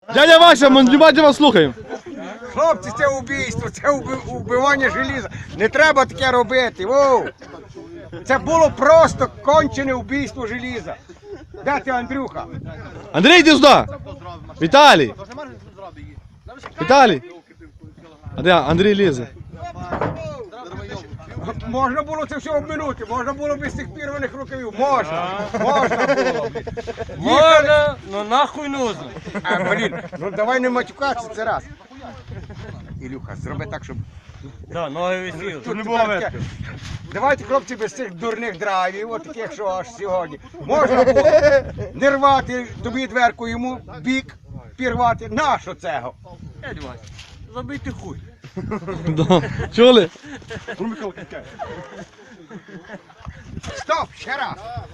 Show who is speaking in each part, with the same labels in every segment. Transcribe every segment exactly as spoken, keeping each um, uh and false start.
Speaker 1: Дядя Вася, ми внимательно вас слухаємо.
Speaker 2: Хлопці, це убійство, це уби- вбивання желіза. Не треба таке робити. Воу. Це було просто кончене вбійство желіза. Де ти, Андрюха?
Speaker 1: Андрій, йди сюди. Віталій. Віталій. А де Андрій лізе?
Speaker 2: Можна було це все обминути, можна було без цих пірваних рукавів. Можна, можна було.
Speaker 3: Можна, ну нахуй нужно.
Speaker 2: А, блін, ну давай не матюкатися, це раз. Ілюха, зроби так, щоб...
Speaker 3: Да, ноги висіли.
Speaker 2: Тут тепер таке. Давайте, хлопці, без цих дурних драйвів, от таких, що аж сьогодні. Можна було не рвати тобі дверку, йому бік пірвати. Нащо цього?
Speaker 3: Дядь Вася, забийте хуй.
Speaker 1: Да. Чули?
Speaker 2: Стоп, ще раз.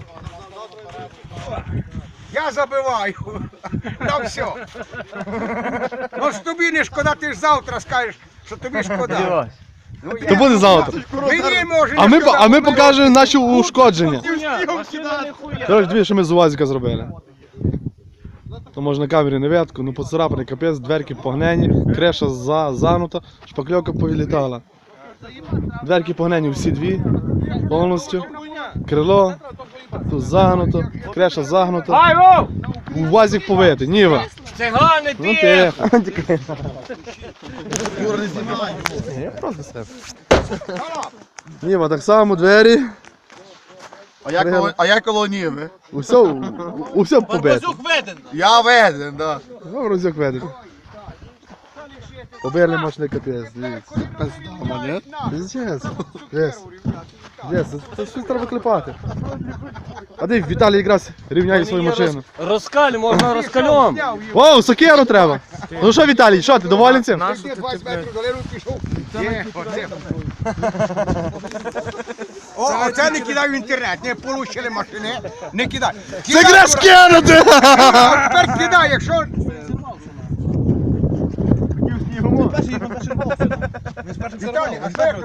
Speaker 2: Я забиваю. На все. Ну ж тобі не шкода, ти ж завтра скажеш, що тобі шкода. Ну,
Speaker 1: То
Speaker 2: я-
Speaker 1: буде завтра.
Speaker 2: Мені може
Speaker 1: А
Speaker 2: не
Speaker 1: ми,
Speaker 2: шкода,
Speaker 1: а ми
Speaker 2: бо
Speaker 1: покажемо наші ушкодження.
Speaker 3: Машина не хуя.
Speaker 1: Коротше, дві, що ми з УАЗика зробили. То може на камері не видко, ну поцарапаний капець, дверки погнені, креша за, загнута, шпакльовка повилітала. Дверки погнені всі дві, повністю. Крило, тут загнуто, креша загнута.
Speaker 3: Айво!
Speaker 1: УАЗик побитий, ніва.
Speaker 3: Цигани
Speaker 1: Ну
Speaker 3: ти!
Speaker 1: тихо. Я просто себе. Ніва, так само двері.
Speaker 4: А я коло, а я коло Ніви.
Speaker 1: Усе, усе побите.
Speaker 4: Я веден, да.
Speaker 1: Ну, розюк ведеш. Побили мощний капець, дивіться. Пиздец. Десь. Десь, це щось треба клепати. А де Віталій якраз рівняє свою машину.
Speaker 3: Розкаль, можна розкальом.
Speaker 1: О, сокиру треба. Ну що, Віталій, що, ти доволен цим?
Speaker 2: Ти двадцять метрів долину пішов. Є, оце. О, оце не кидай в інтернет, не получили машини, не кидай.
Speaker 1: Це
Speaker 2: Кидай,
Speaker 1: греш кинути!
Speaker 2: а тепер кидай, якщо... Віталій, а що як